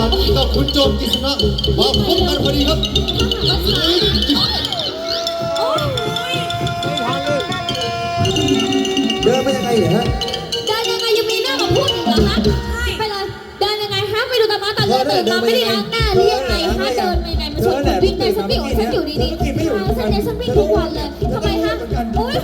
กับคุณโจมกิษณะมาพบกันพอดีครับเดินไปยังไงเนี่ยฮะเดินยังไงยังมีหน้ามาพูดอีกเหรอฮะไปเลยเดินยังไงฮะไปดูตามาตาเลือดตื่นมาไม่ได้ล้างหน้าหรือยังไงฮะเดินไปไหนมาชวนคนวิ่งในฉันวิ่งของฉันอยู่ดีๆฉันเนี่ยฉันวิ่งทุกวันเลยทำไมฮะโอ๊ย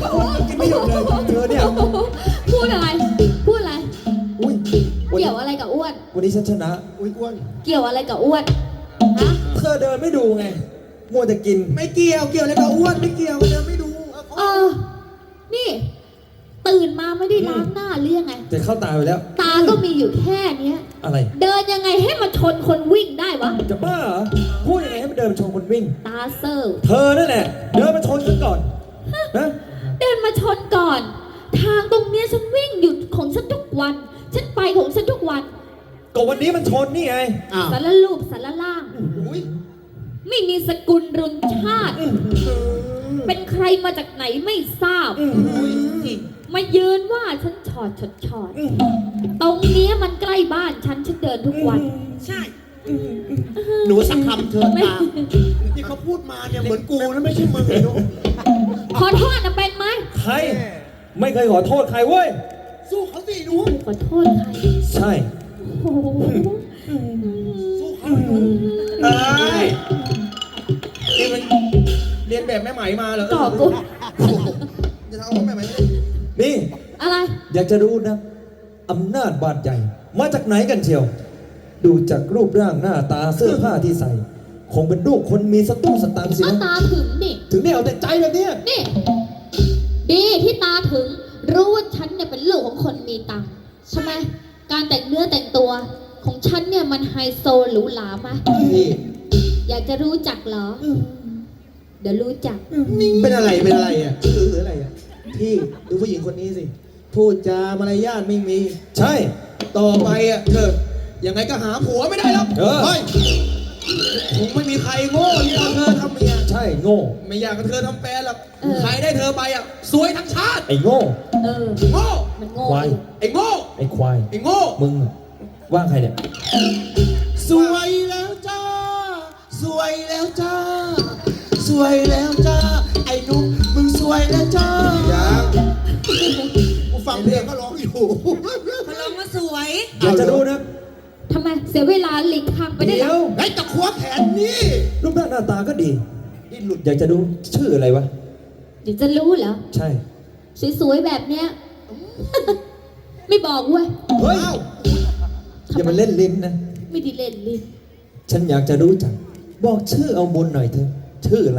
พูดอะไรพูดอะไรอุ้ยเกี่ยวอะไรกับอ้วนวันนี้ฉันชนะอุ้ยอ้วนเกี่ยวอะไรกับอ้วนฮะเธอเดินไม่ดูไงมัวแต่กินไม่เกี่ยวอะไรกับอ้วนไม่เกี่ยวเดินไม่ดูนี่ตื่นมาไม่ได้ล้างหน้าหรือยังไงแต่เข้าตาไปแล้วตาก็มีอยู่แค่เนี้ยอะไรเดินยังไงให้มาชนคนวิ่งได้วะจะบ้าเหรอพูดยังไงให้มันเดินมาชนคนวิ่งตาเซอร์เธอนั่นแหละเดินมาชนฉันก่อนนะเดินมาชนก่อน ทางตรงเนี้ยฉันวิ่งหยุดของฉันทุกวัน ฉันไปของฉันทุกวันก็วันนี้มันชนนี่ไงสารรูปสารล่างอุ้ยไม่มีสกุลรุนชาติ เป็นใครมาจากไหนไม่ทราบ มายืนว่าฉันชอดตรงเนี้ยมันใกล้บ้านฉันเดินทุกวันใช่หนูสักคำเถิดไม่ตาที่เขาพูดมาเนี่ยเหมือนกูนะไม่ใช่มึงเลยหนูขอโทษนะเป็นไหมใครไม่เคยขอโทษใครเว้ยสู้เขาสิหนูขอโทษใครใช่โอ้โหสู้เขาหนูเอ้ยนี่มันเรียนแบบแม่ไหมมาเหรอก่อกุศจะทำเอาแม่ไหมไม่ได้นี่อะไรอยากจะรู้นะอำนาจบาดใหญ่มาจากไหนกันเชียว ดูจากรูปร่างหน้าตาเสื้อผ้าที่ใส่ คงเป็นลูกคนมีสตุ้งสตังค์สิเอานะตาถึงดิถึงได้เอาแต่ใจแบบเนี้ยนี่ ดีที่ตาถึง รู้ว่าฉันเนี่ยเป็นลูกของคนมีตังค์ใช่ไหมการแต่งเนื้อแต่งตัวของฉันเนี่ยมันไฮโซหรูหราไหมนี่อยากจะรู้จักเหรอ เดี๋ยวรู้จักเป็นอะไรอ่ะหรืออะไรอ่ะพี่ดูผู้หญิงคนนี้สิพูดจามารยาทไม่มีใช่ต่อไปอ่ะเธอยังไงก็หาผัวไม่ได้แล้วเออเฮ้ยคงไม่มีใครโง่ที่เอาเธอทำเมียใช่โง่ไม่อยากกับเธอทำแฟนหรอกเออใครได้เธอไปอ่ะสวยทั้งชาติไอ้โง่เออโง่มันโง่ควายอยู่ไอ้โง่ไอ้ควายไอ้โง่มึงอะว่าใครเนี่ยสวยแล้วจ้า สวยแล้วจ้า สวยแล้วจ้า ไอ้หนุ่มมึงสวยแล้วจ้ายังกูฟังเพลงก็ร้องอยู่พลังมาสวยอยากจะรู้นะทำไมเสียเวลาหลีกทางไปได้เดี๋แล้ยว วไอ้ตะขวแขนนี่รูปร่างหน้าตาก็ดีนี่หลุดอยากจะรู้ชื่ออะไรวะเดี๋ยวจะรู้เหรอใช่สวยๆแบบเนี้ย ไม่บอกเว้ยเฮ้ยอย่ามาเล่นลิ้นนะไม่ได้เล่นลิ้นฉันอยากจะรู้จัก บอกชื่อเอาบุญหน่อยเถอะ ชื่ออะไร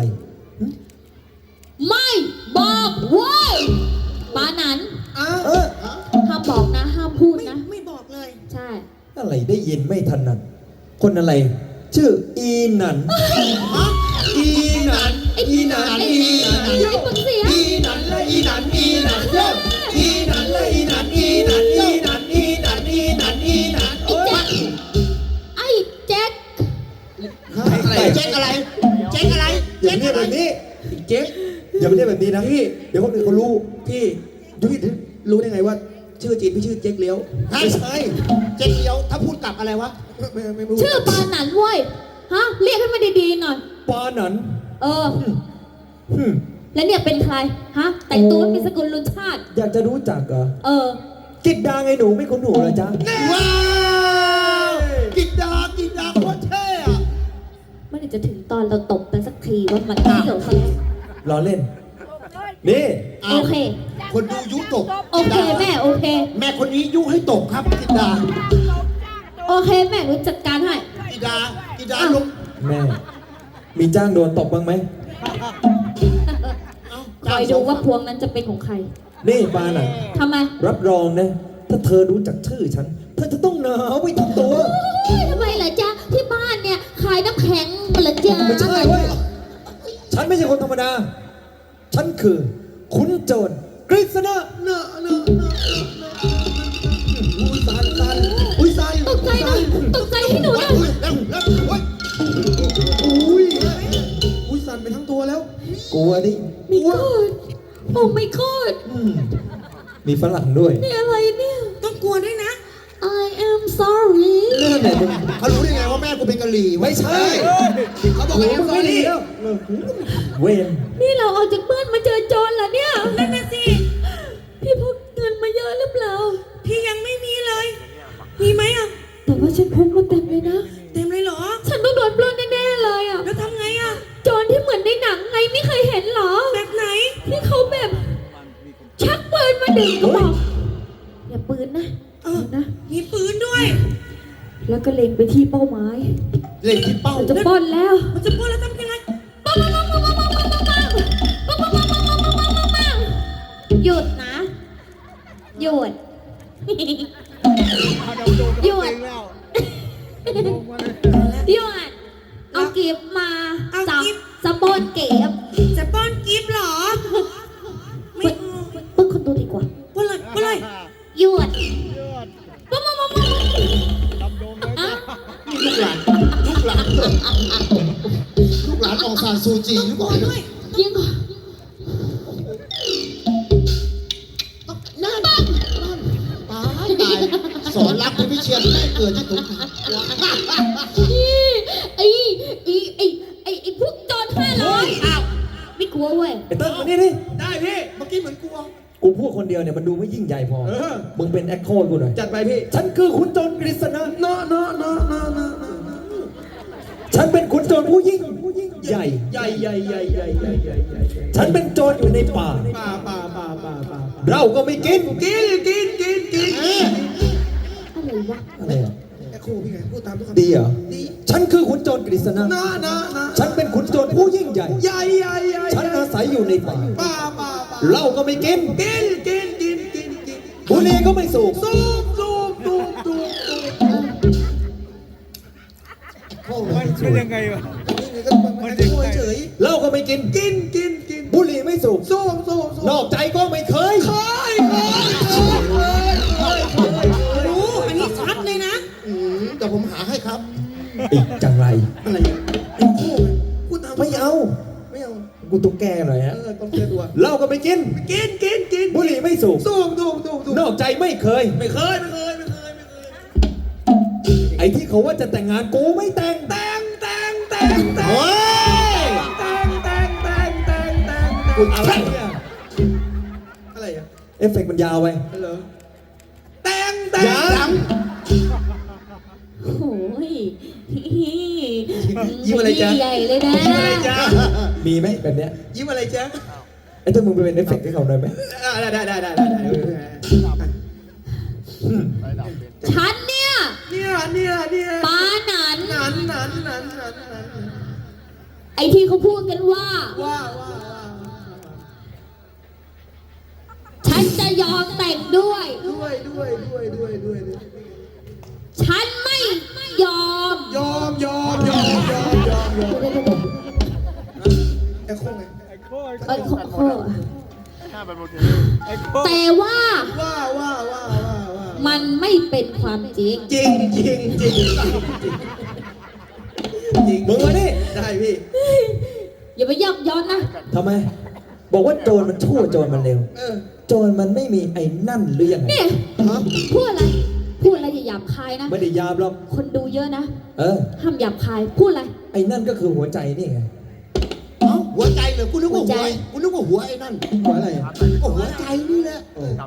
ไม่บอกเว้ยปานันเออห้ามบอกนะ ห้ามพูดนะไม่บอกเลยใช่อะไรได้ยินไม่ถนัด คนอะไร ชื่ออีหนันอีหนันอีหนันอีหนันไอ้ปนเสียอีหนันและอีหนันอีหนันเย้อีหนันและอีหนันอีหนันอีหนันอีหนันอีหนันอีหนันโอ้ยไอ้แจ็คเจ๊กอะไรเจ๊กอะไรอย่าเรียกแบบนี้เจ๊กอย่าไปเรียกแบบนี้นะพี่ เดี๋ยวคนอื่นเขารู้พี่ดูพี่รู้ได้ไงว่า ชื่อจีนพี่ชื่อเจ๊กเลี้ยวไม่ใช่เจ๊เกียวถ้าพูดกลับอะไรวะไม่รู้ชื่อปานันเว้ย ฮะ เรียกให้มันดีๆหน่อยปาหนันเออหึแล้วเนี่ยเป็นใคร ฮะ แต่งตัวมีสกุลรุนชาติอยากจะรู้จักเหรอเออกิดดาไงหนูไม่คุ้นหูเหรอจ๊ะว้าวกินดาโคตรเท่อะเมื่อไหร่จะถึงตอนเราตบกันสักทีว่ามันเที่ยวสักล้อเล่น นี่โอเคคนดูยุตกโอเคแม่โอเคแม่คนนี้ยุให้ตกครับกิดาโอเคแม่หนูจัดการให้กิดาลงแม่ มีจ้างโดนตบบ้างไหมคอยดูว่าพวงนั้นจะเป็นของใครนี่ปาหนันทำไมรับรองนะ ถ้าเธอรู้จักชื่อฉัน เธอจะต้องหนาวไปทั้งตัวเฮ้ยทำไมเหรอจ๊ะ ที่บ้านเนี่ยขายน้ำแข็งเหรอจ๊ะไม่ใช่เว้ย ฉันไม่ใช่คนธรรมดา ฉันคือ ขุนโจรกฤษณะเนอะอุ้ยสันอุ้ยสันตกใจหน่อยตกใจให้หนูหน่อยอุ้ยสันไปทั้งตัวแล้วกลัวดิมีกอดโอ้ไม่กอดอืมมีฝรั่งด้วยนี่อะไรเนี่ยต้องกลัวด้วยนะ I am sorry เรื่องไหนมึงเขารู้ได้ไงว่ากูเป็นกะหรี่ไม่ใช่เขาบอกโอ้ว่ามึงไม่ดีแล้วเวนนี่เราออกจากบ้านมาเจอโจรเหรอเนี่ยนั่นน่ะสิพี่พกเงินมาเยอะหรือเปล่าพี่ยังไม่มีเลยมีไหมอ่ะแต่ว่าฉันพกมาเต็มเลยนะเต็มเลยเหรอฉันต้องโดนปล้นแน่ๆเลยอ่ะแล้วทำไงอ่ะโจรที่เหมือนในหนังไงไม่เคยเห็นเหรอแบบไหนที่เขาแบบชักปืนมาดึงกระบอกอย่าปืนนะนะมีปืนด้วย แล้วก็เล็งไปที่เป้าหมายเล่นที่เป้ามันจะปล้นแล้วมันจะปล้นแล้วทำยังไงหยุดนะ หยุด หยุด หยุด เอากีบมาจับสปอนเก็บจะป้อนกีบเหรอไม่ปล้นคนดูดีกว่าปล้นเลยหยุดปุ๊บอ่ะลูกหลานองซานซูจีหรือเปล่ายิงก่อนนั่นตายสอนรักที่พิเชียนแม่เกิดที่สงขลาไอ้พวกโจร500อ้าวไม่กลัวเว้ยไอ้เติ้ลมานี่ดิได้พี่เมื่อกี้เหมือนกลัวกูพูดคนเดียวเนี่ยมันดูไม่ยิ่งใหญ่พอ มึงเป็นแอคโคกูหน่อยจัดไปพี่ฉันคือขุนโจรกฤษณะฉันเป็นขุนโจรผู้ยิ่งใหญ่ใหญ่ฉันเป็นโจรอยู่ในป่าป่าเราก็ไม่กินกินอะไรวะอะไรอ่ะแอคโคพี่ไงพูดตามทุกคำดีเหรอ ฉันคือขุนโจรกฤษณะนะฉันเป็นขุนโจรผู้ยิ่งใหญ่ใหญ่ฉันอาศัยอยู่ในป่าป่าเหล้าก็ไม่กินกินบุหรี่ก็ไม่สูบสูบมันยังไงวะมันจะช่วยเฉยเหล้าก็ไม่กินกินบุหรี่ไม่สูบสูบนอกใจก็ไม่เคยรู้อันนี้ชัดเลยนะแต่ผมหาให้ครับอีกจังไรอะไรอ่ะไอ้คู่พูดตามไม่เอาไม่เอากูต้องแก้หน่อยฮะต้องเจอตัวเหล้าก็ไม่กินกินบุหรี่ไม่สูบสูบนอกใจไม่เคยไม่เคยไอ้ที่เขาว่าจะแต่งงานกูไม่แต่งเฮ้ยอะไรเนี่ยอะไรอ่ะเอฟเฟกต์มันยาวไปเหรอแตงยังโอ้ยยิ้มอะไรจ๊ะใหญ่เลยนะยิ้มอะไรจ๊ะมีไหมแบบเนี้ยยิ้มอะไรจ๊ะไอ้ถ้ามึงไปเป็นเอฟเฟกต์ให้เขาหน่อยไหมได้ฉันเนี่ยเนี่ยปาหนันนันไอ้ที่เขาพูดกันว่าว่าฉันจะยอมแต่งด้วยด้วยฉันไม่ยอมยอมไอ้โค้งไงไอ้โค้เอ้ยขอแต่ว่าว่ามันไม่เป็นความจริงจริงมึงมาดิได้พี่อย่าไปยับย้อนนะทำไม บอกว่าโจรมันชั่วโจรมันเร็ว โจรมันไม่มีไอ้นั่นหรือยังไงนี่พูดอะไรอย่าหยาบคายนะไม่ได้ยามหรอกคนดูเยอะนะ ห้ามหยาบคาย พูดอะไรไอ้นั่นก็คือหัวใจนี่ไงหัวใจเหรอกูนึกว่าหัวหัวไอ้นั่นหัวอะไรก็หัวใจนี่แหละ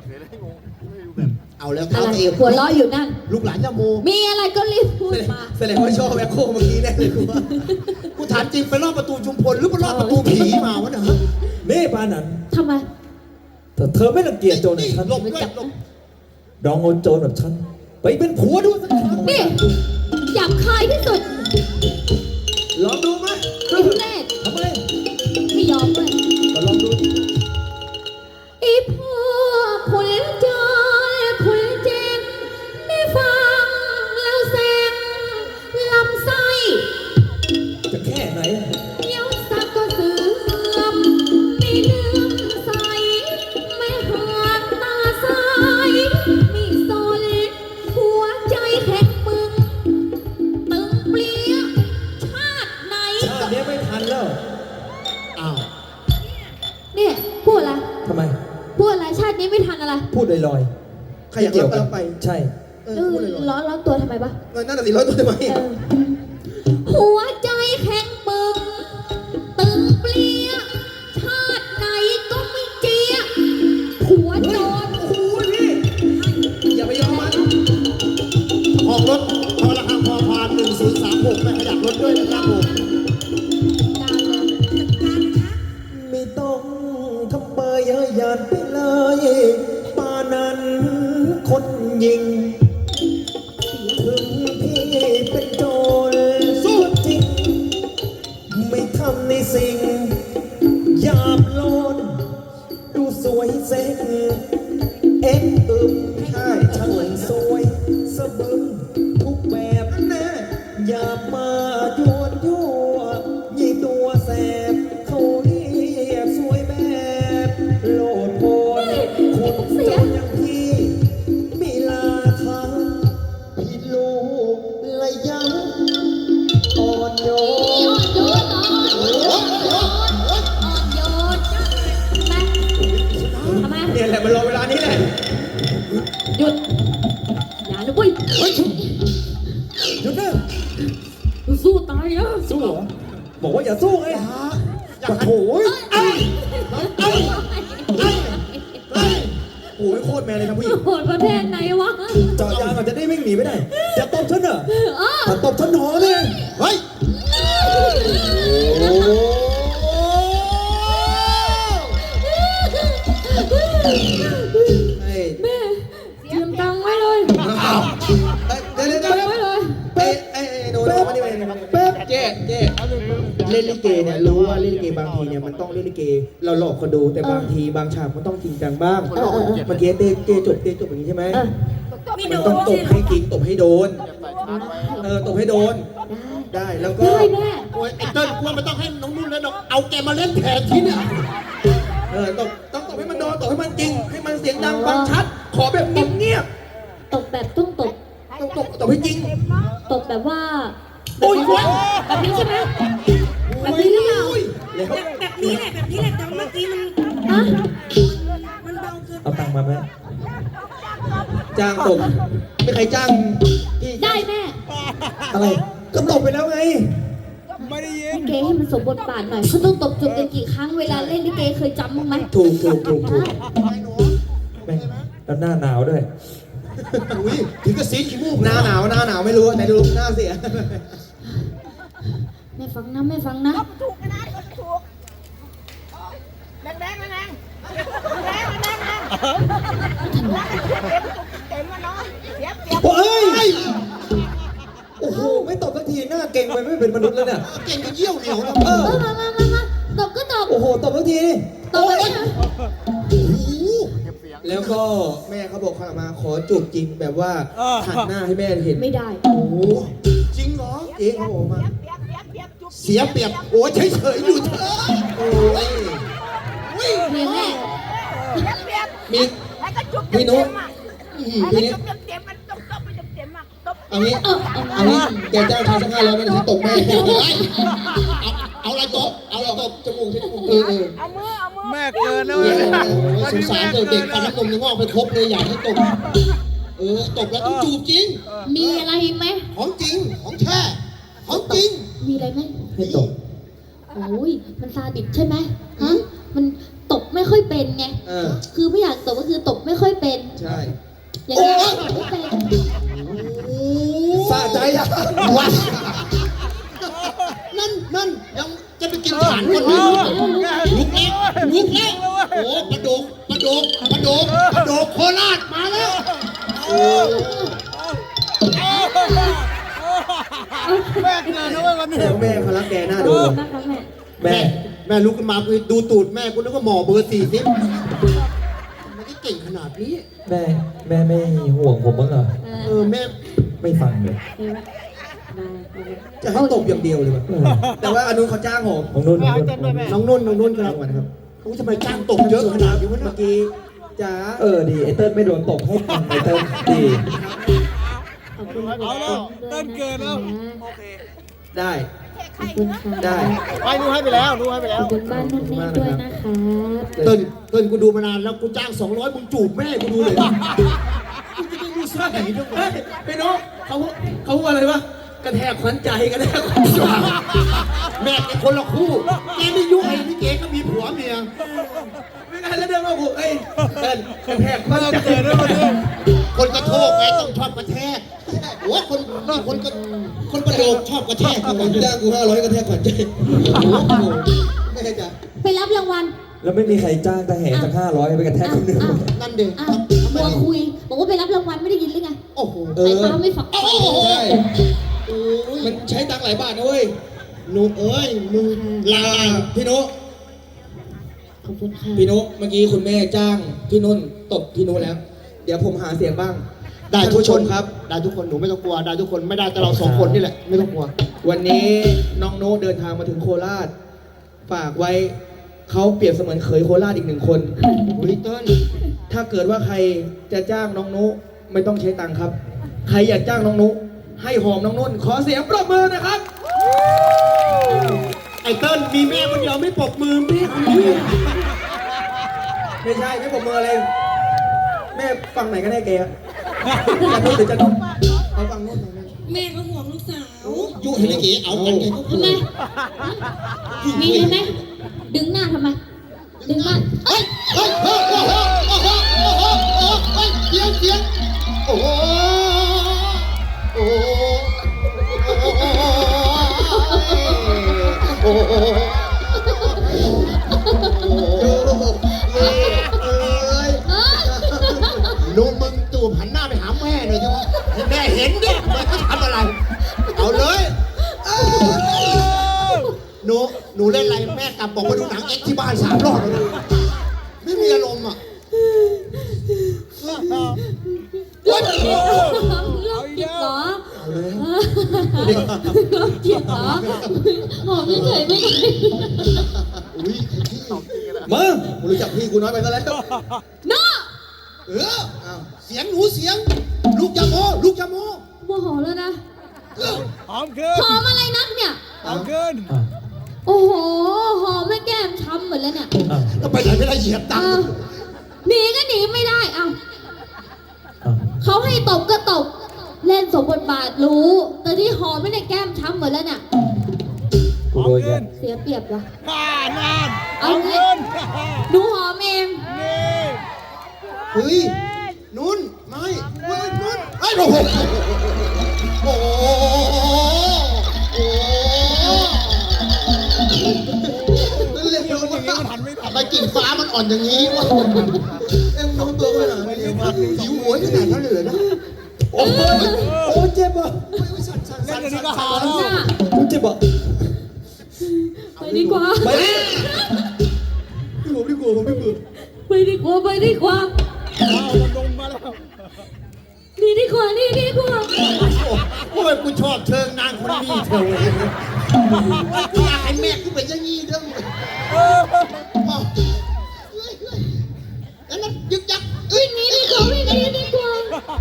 เอาแล้วอะไรเอวหัวเราะอยู่นั่นลูกหลานยาโมมีอะไรก็รีบพูดมาแสดงว่าชอบแอคโคเมื่อกี้แน่เลยกูว่ากูถามจริงไปรอบประตูชุมพลหรือไปรอบประตูผีมาวะเนี่ยฮะนี่ปานันทำไมแต่เธอไม่รังเกียจโจรแบบฉันหลบด้วยหลบลองเอาโจรแบบฉันไปเป็นผัวดูสักครั้งนี่หยาบคายที่สุดลองดูไหมไอ้ทุเรศทำไมไม่ยอมเลยก็ลองดูไอ้พวกคุณจอยคุณเจนได้ฟังแล้วแซงลำไส้จะแค่ไหนเดี๋ยวสักก็เสื่อมไม่เลื่อมใสไม่ห่างตาซ้ายไม่สนหัวใจแข็งมึงตึงเปลี่ยชาติไหนชาตินี้ไม่ทันแล้วอ้าวเนี่ยพูดอะไรทำไมพูดอะไรชาตินี้ไม่ทันอะไรพูดลอยใครอยากรับก็รับไปๆใช่พูดเลยร้อนตัวทำไมปะนั่นน่ะสิร้อยตัวทำไมเออสิ่งยามโลนดูสวยเซ็กเอ็กอึมใช่ช่างสวยสะบึมทุกแบบแน่อย่ามาโยนยั่วยี่ตัวแสบเขาเรียกสวยแบบโลดโผนคุณจนอย่างพี่มีลาคาพี่ลูกระยำอ่อนโยนอ่อนโยนทำไมเนี่ยแหละมันรอเวลานี้แหละหยุด อย่าเลยเว้ยหยุดนะสู้ตายอ่ะสู้เหรอ บอกว่าอย่าสู้ไงอย่าโถยโอ้ยโคตรแมนเลยครับผู้หญิงโหดประเภทไหนวะเจาะยางอาจจะได้วิ่งหนีไม่ได้จะตบฉันเหรออ้อถ้าตบฉันหอเลยเฮ้ยแม่เตรียมตังค์ไว้เลยเดี๋ยวตังค์ไว้เลยเป๊ะโดนมาดิเป๊ะเจ๊เล่นลิเกเนี่ยรู้ว่าเล่นลิเกบางทีเนี่ยมันต้องเล่นลิเกเราหลอกคนดูแต่บางทีบางฉากมันต้องจริงจังบ้างเมื่อกี้เจ๊จบอย่างนี้ใช่ไหมมันต้องตบให้จริงตบให้โดนตบให้โดนได้แล้วก็ได้แม่โอ้ยไอ้เติ้ลกลัวมันต้องให้น้องนุ่นแล้วน้องเอาแกมาเล่นแทนที่เนี่ยต้องตบให้มันโดนตบให้มันจริงให้มันเสียงดังฟังชัด ขอแบบเงียบตบแบบต้องตบๆต้องตบให้จริงตบแบบว่าโอ้ยแบบนี้ใช่ไหมแบบนี้หรือเปล่าแบบนี้แหละแบบนี้แหละแต่เมื่อกี้มันฮะมันเบาเกินเอาตังค์มาไหมจ้างตบไม่ใครจ้างพี่ได้แม่อะไรก็ตบไปแล้วไงไม่ได้ยินลิเกให้มันสมบทบาทหน่อยเขาต้องตบจูบกันกี่ครั้งเวลาเล่นลิเกเคยจำบ้างไหมถูกแม่งแล้วหน้าหนาวด้วยอุ้ยถึงกับซีดขี้มูกหน้าหนาวไม่รู้แต่ดูหน้าเสียแม่ฟังนะแม่ฟังนะถูกนะถูกแดงแดงแดงเต็มมาเนาะเสียบโอ้ย โอ้โห ไม่ตบสักทีหน้าเก่งไปไม่เป็นมนุษย์แล้วเนี่ยเก่งกับเยี่ยวเหนียวแล้วมาตบก็ตบโอ้โห ตบสักทีดิตบเลยนะแล้วก็แม่เขาบอกเขามาขอจูบจริงแบบว่าหันหน้าให้แม่เห็นไม่ได้โอ้โหจริงเหรอเอ๊ะเขาบอกมาเสียเปรียบโอ้ยเฉยๆอยู่เถอะโอ้ยเมียแม่มีพี่นุ๊กพี่นุ๊กเต็มมันตบไปเต็มอ่ะตบเอางี้เอางี้แกจ้างใครสัก500ไม่ได้ฉันตบแม่เอาอะไรตบเอาอะไรตบจมูกที่จมูกเอามือแม่เกินนะโอ้เว้ยยสงสารเด็กฟันน้ำนมยังงอกไปครบเลยอยากให้ตบตบแล้วต้องจูบจริงมีอะไรไหมของจริงของแท้ของจริงมีอะไรไหมให้ตบโอ้ยมันซาดิสใช่ไหมฮะมันตบไม่ค่อยเป็นไง คือไม่อยากตบก็คือตบไม่ค่อยเป็นใช่อย่างนี้ตบไม่เป็นสะใจอ่ะวัดนั่นยังจะไปกินฐานคนนี้ลุกแล้วโอ้ปลาดกโคราชมาแล้วแม่เกินนะเว้ยวันนี้เดี๋ยวแม่เขารักแกหน้าดูนะคะแม่แม่ลุกขึ้นมากูดูตูดแม่กูนึกว่าหมอเบอร์40มันก็เก่งขนาดนี้แม่ไม่ห่วงผมบ้างเหรอแม่ไม่ฟังเลยจะให้ตบอย่างเดียวเลยว่ะแต่ว่าอนุเขาจ้างผมของนุ่นน้องนุ่นครารับงวัลครับกูทำไมจ้างตกเยอะขนาดนี้วะเมื่เนี่อย กี้จ๋าดีไอเติ้ลไม่โดนตบให้ตังค์ไอเติ้ลดีขอบคุณเอาแล้วเต้นเกินแล้วได้ขอบคุณค่ะได้ไปดูให้ไปแล้วดูให้ไปขแล้อวบคุณบ้านนุ่นนี่ด้วยนะคะเติ้ลกูดูมานานแล้วกูจ้าง200มึงจูบแม่กูดูเลยกูจะไม่รู้สึกไหนด้วยวะพี่น้องเขาพูดอะไรวะกระแทกขวัญใจกระแทกขวัญใจแม่แกคนละคู่แกไม่ยุ่งไอ้พี่เก๋ก็มีผัวเมียไม่งั้นแล้วเดินมาผมกระแทกขวัญใจเกินแล้ววันนี้คนกระโทกไงต้องชอบกระแทกโอ้คนประโดกชอบกระแทกผมจ้างกู500กระแทกขวัญใจแม่จ๋าไปรับรางวัลแล้วไม่มีใครจ้างทหารสัก500ไปกระแทกคนหนึ่งนั่นเด็กอ้าวมัวคุย บอกว่าไปรับรางวัลไม่ได้ยินหรือไงโอ้โหสายตาไม่ฝักใช่มันใช้ตังค์หลายบาทนะเว้ยหนูเอ้ยมึงลาพี่นุขอบคุณค่ะพี่นุเมื่อกี้คุณแม่จ้างพี่นุ่นตบพี่นุแล้ว เดี๋ยวผมหาเสียงบ้างได้ทุกท่านผู้ชคมนครับได้ทุกคนหนูไม่ต้องกลัวได้ทุกคนไม่ได้แต่เราสองคนนี่แหละไม่ต้องกลัววันนี้น้องโน้ตเดินทางมาถึงโคราช ฝากไว้เขาเปรียบเสมือนเขยโคราชอีกหนึ่งคนอุ้ยเติ้ลถ้าเกิดว่าใครจะจ้างน้องนุไม่ต้องใช้ตังค์ครับ ใครอยากจ้างน้องนุให้หอมน้องนุ่น ขอเสียงปรบมือนะครับไอ้เติ้ลมีแม่คนเดียวไม่ปรบมือแม่คนเดียวไม่ใช่ไม่ปรบมืออะไรแม่ฟังไหนกันแน่แกอะจะนุ่นหรือจะนุ่นเอาฟังนุ่นฟังนุ่นแม่ก็ห่วงลูกสาวยุให้ลิเกเอากันไงก็ทำไมมีใช่ไหมดึงหน้าทำไม ดึงหน้าเฮ้ยเฮ้ยโอ้โหโอ้โหโอ้โหโอ้โหเฮ้ยเสียงเสียงโอ้โหโอ้โหโอ้โหโอ้โหเอ้ยลุงมึงตูบหันหน้าไปหาแม่หน่อยสิวะให้แม่เห็นดิว่าเขาทำอะไร เอาเลยหนูเล่นอะไรแม่กลับบอกว่าดูหนังเอ็กซ์ที่บ้าน3 รอบแล้วนะไม่มีอารมณ์อ่ะโรคจิตเหรอโรคจิตเหรอหอมเฉยๆไม่ได้อุ้ยมึงกูรู้จักพี่กูน้อยไปซะแล้วน้อเอออ้าวเสียงหนูเสียง ลูกยาโมลูกยาโมโมโหแล้วนะเออหอมขึ้นหอมอะไรนักเนี่ยหอมขึ้นโอ้โห หอมแม่แก้มช้ำหมดแล้วเนี่ยก็ไปไหนไม่ได้เหยียบตังอ้าวค์หนีก็หนีไม่ได้อ้าวเขาให้ตบก็ตบ เล่นสมบทบาทรู้ แต่ที่หอมไม่ได้แก้มช้ำหมดแล้วเนี่ยหอมขึ้นเสียเปรียบวะนานหเอาอมไงขึ้นหนูหอมเองนี่เฮ้ยนุ่นไม่เฮ้ยนุ่นไอ้ยโอ้โหโอ้โหโอ้โหเรียกเดี๋ยวว่าอย่างงี้มันหันไม่ทันทำไมกิ่งฟ้ามันอ่อนอย่างนี้วะเอ็มน้องตัวขนาดนี้หิวหัวขนาดนั้นเลยเหรอนะโอ้ยโอ้ยเจ็บอ่ะเล่นอย่างนี้ก็หาแล้วน่ะกูเจ็บอ่ะไปดีกว่าไปดิผมไม่กลัวผมไม่กลัวไปดีกว่า ไปดีกว่าเอามันลงมาแล้วนี่ดีกว่า นี่ดีกว่าโอ้ยกูชอบเชิงนางคนนี้เธอกูอยากให้แม่กูเป็นอย่างนี้เรื่องแล้วนั่นยึกยักเอ้ยนี่ดีกว่าวิ่งหนีดีกว่า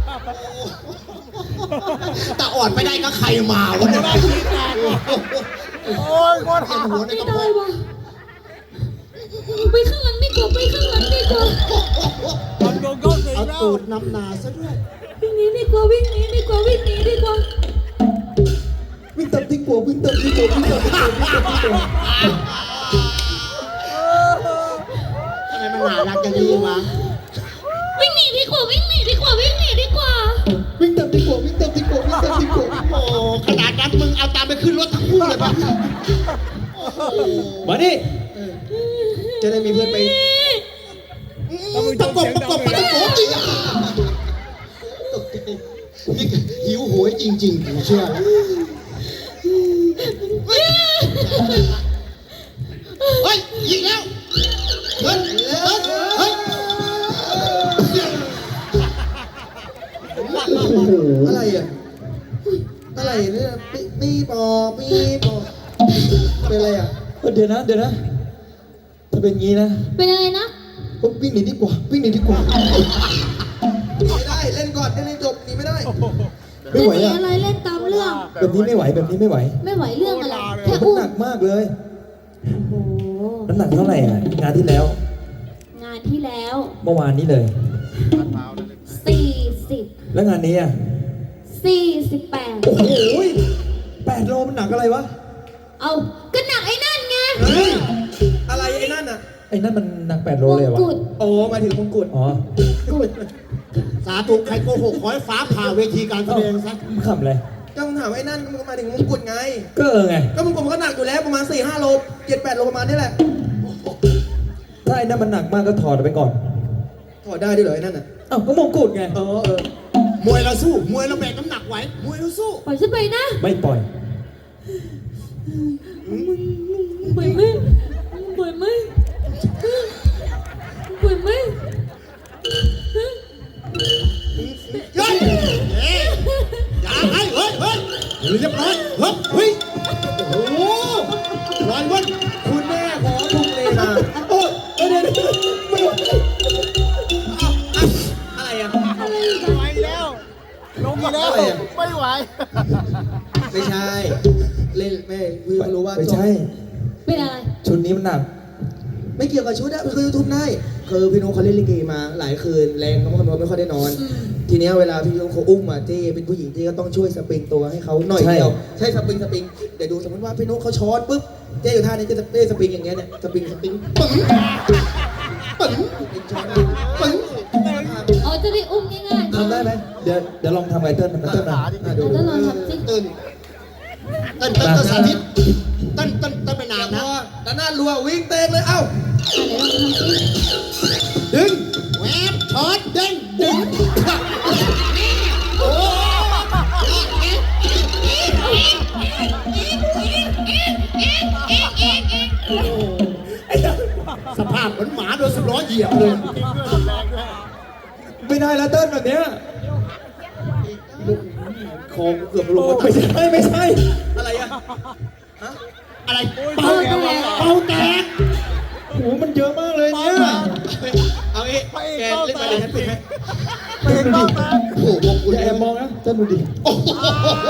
แต่อ่อนไม่ได้ก็ใครมาวะเนี่ยโอ้ยโคตรเห็นหัวในไม่กระได้เพาะวะไปข้างหลังดีกว่า ไปข้างหลังดีกว่ามันโดนก้อนสีเอาแล้วตูดนำนาซะด้วยวิ่งหนีดีกว่า วิ่งหนีดีกว่า วิ่งหนีดีกว่าวิ่งตับที่กลัววิ่งตับที่กลัววิ่งตับที่กลัววิ่งตับที่กลัวทำไมมันหนารักอย่างนี้วะวิ่งหนีดีกว่า วิ่งหนีดีกว่า วิ่งหนีดีกว่าวิ่งตับที่กลัววิ่งตับที่กลัววิ่งตับที่กลัวโอ้ขนาดนั้นมึงเอาตามไปขึ้นรถทั้งคู่เลยปะโอ้โหมาดิจะได้มีเพื่อนไปตะกบตะกบปะตะโกจริงอ่ะตกใจนี่หิวโหยจริงๆกูเชื่อเฮ้ยยิงแล้วเฮ้ยเฮ้ยอะไรอ่ะอะไรเนี่ยปีปอปีปอเป็นอะไรอ่ะเดี๋ยวนะถ้าเป็นงี้นะเป็นอะไรนะผมวิ่งหนีดีกว่าวิ่งหนีดีกว่าไม่ได้เล่นก่อนเล่นจบหนีไม่ได้ไม่ไหวจะหนีอ่ะอะไรเล่นตามเรื่องแบบนี้ไม่ไหวแบบนี้ไม่ไหวไม่ไหวเรื่องอะไรแค่มันอุ้มหนักมากเลยโอ้โหน้ำหนักเท่าไหร่อ่ะงานที่แล้วงานที่แล้วเมื่อวานนี้เลย 40 แล้วงานนี้อ่ะ 48 โอ้โห8 โลมันหนักอะไรวะเอาก็หนักไอ้นั่นไงอะไรไอ้นั่นอ่ะไอ้นั่นมันหนัก8 โลเลยวะมงกุฎโอ้มาถึงมงกุฎอ๋อกุดสาธุใครโกหกขอให้ฟ้าผ่าเวทีการแสดงซะมึงขำอะไรก็มึงถามไอ้นั่นก็มึงมาถึงมงกุฎไงก็ไงก็มงกุฎมันก็หนักอยู่แล้วประมาณ 4-5 โล 7-8 โลประมาณนี้แหละถ้าไอ้นั่นมันหนักมากก็ถอดไปก่อนถอดได้ด้วยเหรอไอ้นั่นอ่ะอ้าวก็มงกุฎไงมวยเราสู้ มวยเราแบกน้ำหนักไหว มวยเราสู้ปล่อยฉันไปนะไม่ปล่อยมปล่อยไหมปล่อยไหมปล่อยไหมเฮ้ยอย่าให้เฮ้ยเรียบร้อยเฮ้ยโอ้โหลอยวันคุณแม่ขอทุกเลมาโอ้ยเดี๋ยวอะไรอ่ะไหวแล้ว ลงมาแล้ว ไม่ไหวไม่ใช่ เล่นแม่คือรู้ว่าไม่ใช่เป็นอะไรชุดนี้มันหนักไม่เกี่ยวกับชุดอะคือทุบได้คือพี่นุ๊กเขาเล่นลิเกมาหลายคืนแรงเขาไม่ค่อยได้นอน ทีเนี้ยเวลาพี่นุ๊กเขาอุ้มมาเจ้เป็นผู้หญิงที่ก็ต้องช่วยสปริงตัวให้เขาหน่อยใช่เดียวใช่สปริงเดี๋ยวดูสมมติว่าพี่นุ๊กเขาช้อนปุ๊บเจ้อยู่ท่านี้เจ้สปริงอย่างเงี้ยเนี่ยสปริงปึ้งช้อนปึ้งอ๋อจะได้อุ้มง่ายๆทำได้ไหมเดี๋ยวลองทำไงเติ้ลมันเติ้ลนะดูแล้วลองทำสิตื่นเต้นสาธิตเต้นไปนานนะด้านหน้ารัววิ่งเตะเลยเอ้าเดี๋ยวลองทำสิดึงแหวบช็อตดึงโอ้สภาพเหมือนหมาโดน10 ล้อเหยียบเลยไม่ได้แล้วเติ้ลแบบเนี้ยคอเกือบลงไม่ใช่อะไรอะอะไรเป่าแตกโอ้โหมันเยอะมากเลยเนี่ยเอางี้แกเล่นไปเลยฉันปิดให้ไปเป้าตาโอ้โหพวกคุณอย่าแอบมองนะเติ้ลดูดิโอ้โห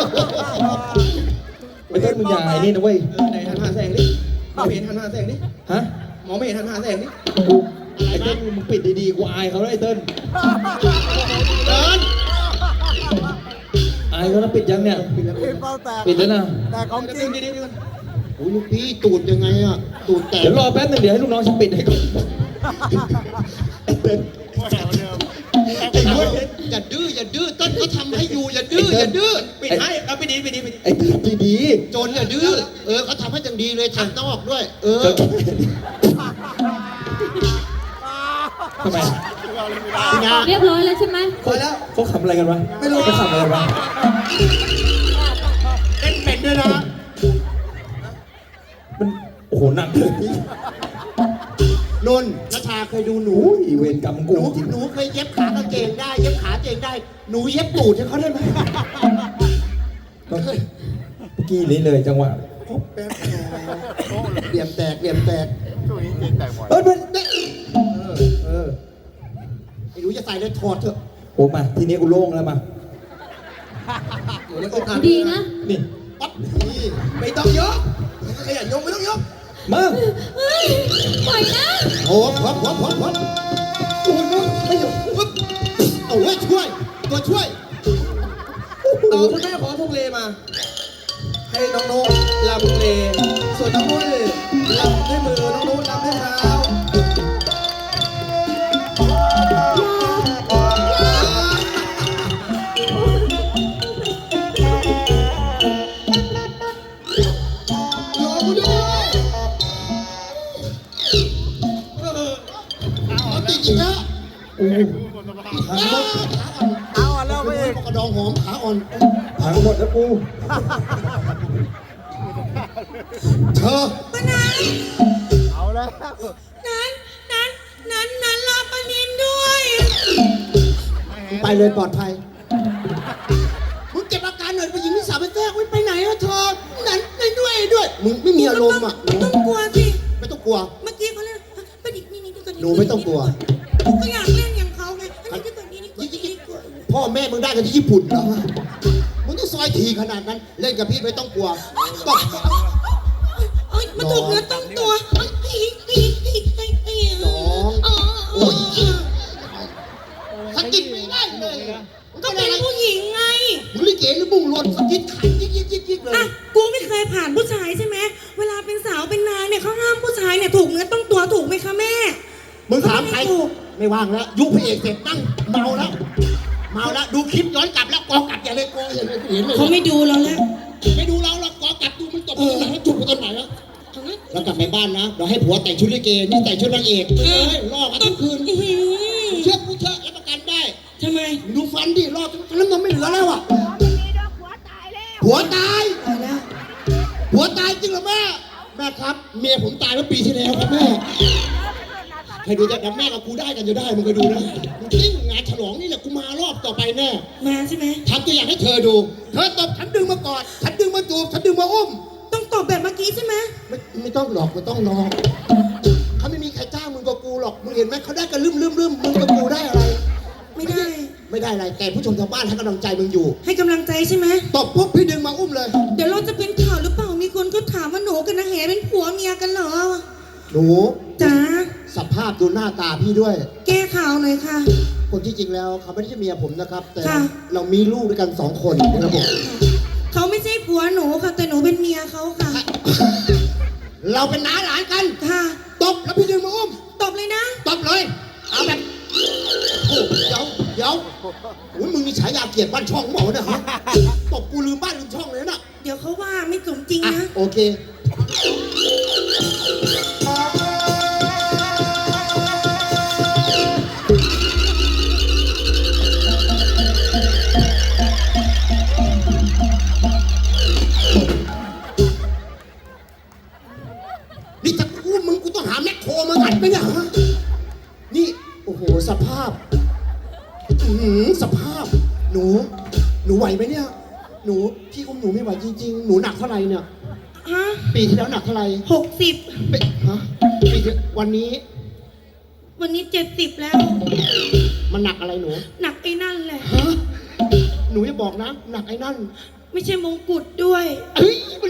ไอ้เติ้ลมึงอย่าไอ้นี่นะเว้ยไหนหันหาแสงดิหมอไม่เห็นหันหาแสงดิฮะหมอไม่เห็นหันหาแสงดิไอ้เติ้ลมึงปิดดีๆกูอายเขาแล้วไอ้เติ้ลเดินอายเขาแล้วปิดยังเนี่ยไปเป้าแตกปิดแล้วนะแต่ของจริงโอ้ลูกพี่ตูดยังไงอ่ะตูดแตกเดี๋ยวรอแป๊บนึงเดี๋ยวให้ลูกน้องฉันปิดให้ก่อนไอ้เว้ยอย่าดื้อต้นเขาทำให้อยู่อย่าดื้อปิดให้เอาไปดีไอ้เติ้ลดีโจรอย่าดื้อเขาทำให้อย่างดีเลยทางนอกด้วยๆทำไมนะเรียบร้อยแล้วใช่ไหมพอแล้วเขาขำอะไรกันวะไม่รู้เขาขำอะไรวะเล่นเป็นด้วยนะมันโอ้โหหนักเลยนนท์นัชชาเคยดูหนูโอ้ยเวรกรรมหกูนูจริงหนูเคยเย็บขากางเกงได้เย็บขาเกงได้หนูเย็บตูดให้เขาได้ไหมเมื่อกี้นี้เลยจังหวะแป๊บเหลี่ยมแตกช่วงนี้เก่งแตกบ่อยเอ้ยมันไอ้หนูจะใส่เลยถอดเถอะโอ้มาทีนี้กูโล่งแล้วมาหนูแล้วก็ดีนะนี่ปั๊บนี่ไม่ต้องยกขยันยกไม่ต้องยกมาเฮ้ยปล่อยนะโอ้พร้อมโอ้ยมึงไม่อยู่ปึ๊บเอาไว้ช่วยตัวช่วยต่อคุณแม่ขอทุกเลมา ให้น้องโน้ตลำเลส่วนน้องนุ่นลำด้วยมือน้องนุ่นลำด้วยเท้ารอกูด้วยเอาติดอีกแล้วโอ้โหเอาอ่ะแล้วไปอีกกระดองหอมขาอ่อนพังหมดแล้วกูเธอเอาแล้วนั้นรอปนินด้วยไปเลยปลอดภัยมึงเก็บอาการหน่อยไปยิงนิสาไปแทรกไปไหนอะเธอนั้นด้วยมึงไม่มีอารมณ์อ่ะหนูต้องกลัวสิไม่ต้องกลัวเมื่อกี้เขาเล่นประดิษฐ์นี่ตัวนี้หนูไม่ต้องกลัวก็อยากเล่นอย่างเขาไงอันนี้ตัวนี้นี่กลัวพ่อแม่มึงได้กันที่ญี่ปุ่นเหรอมึงต้องซอยทีขนาดนั้น เล่นกับพี่ไม่ต้องกลัวบอกเอ้ยมันถูกเนื้อต้องตัวน้องโอ้ยสกิดไม่ได้เลยก็เป็นผู้หญิงไงมึงลิเกหรือบุ้งรนสกิดขันยิกเลยอ่ะกูไม่เคยผ่านผู้ชายใช่ไหมเวลาเป็นสาวเป็นนางเนี่ยเขาห้ามผู้ชายเนี่ยถูกเนื้อต้องตัวถูกไหมคะแม่มึงถามใครไม่ว่างแล้วยุคพระเอกเสร็จนั่งเมาแล้วดูคลิปย้อนกลับแล้วกอกลับอย่าเลยกออย่าเลยเห็นเลยเขาไม่ดูเราแล้วไม่ดูเราหรอกกอกลับดูมันตบมันตรงไหนแล้วจุกมันตรงไหนแล้วแล้วกลับไปบ้านนะเราให้ผัวแต่งชุดลิเกนี่แต่งชุดนางเอกล่อกันทุกคืนเชื่อกูเถอะรับประกันได้ทำไมดูฟันดิรอบทั้งนั้นมันไม่เหลือแล้วอ่ะตายแล้วผัวตายตายแล้วผัวตายจริงเหรอแม่ตแม่ครับ เมียผมตายเมื่อปีที่แล้วครับแม่ใครดูจะกับแม่กับกูได้กันจะได้มึงเคยดูนะจริงงานฉลองนี่แหละกูมารอบต่อไปแน่มาใช่ไหมทำตัวอย่างให้เธอดู เธอตบฉันดึงมากอดฉันดึงมาจูบฉันดึงมาอุ้มต้องตอบแบบเมื่อกี้ใช่ไหมไม่ต้องหลอกไม่ต้องนอกเขาไม่มีใครจ้างมึงกับกูหรอกมึงเห็นไหมเขาได้กันลืมมึงกับกูได้อะไรไม่ได้ไม่ได้อะไรแต่ผู้ชมทางบ้านให้กำลังใจมึงอยู่ให้กำลังใจใช่ไหมตบปุ๊บพี่ดึงมาอุ้มเลยเดี๋ยวเราจะเป็นข่าวหรือเปล่า มีคนก็ถามว่าหนูกับนางแหเป็นผัวเมียกันเหรอหนูจ๋าสภาพดูหน้าตาพี่ด้วยแก้ข่าวหน่อยค่ะคนที่จริงแล้วเขาไม่ได้ใช่เมียผมนะครับ แต่ค่ะเรามีลูกด้วยกัน2 คนนะครับผมเขาไม่ใช่ผัวหนูค่ะ แต่หนูเป็นเมียเขาค่ะเราเป็นน้าหลานกันค่ะตบแล้วพี่ดึงมาอุ้มตบเลยนะตบเลยเอาแบบโอ้เดี๋ยวโอ้ยมึงมีฉายาเกียรติบ้านช่องหมอเนี่ยฮะตบกูลืมบ้านลืมช่องเลยนะเดี๋ยวเขาว่าไม่สมจริงอ่ะนะโอเค นี่ถ้ากูมึงกูต้องหาแมคโครมางัดไหมเนี่ยฮะนี่ โอ้โห สภาพสภาพ หนูไหวไหมเนี่ย หนูพี่อุ้มหนูไม่ไหวจริงๆ หนูหนักเท่าไหร่เนี่ยฮะปีที่แล้วหนักเท่าไหร่ 60 ปีฮะปีที่วันนี้วันนี้70แล้วมันหนักอะไรหนูหนักไอ้นั่นแหละฮะหนูอย่าบอกนะ หนักไอ้นั่นไม่ใช่มงกุฎด้วยเฮ้ยมัน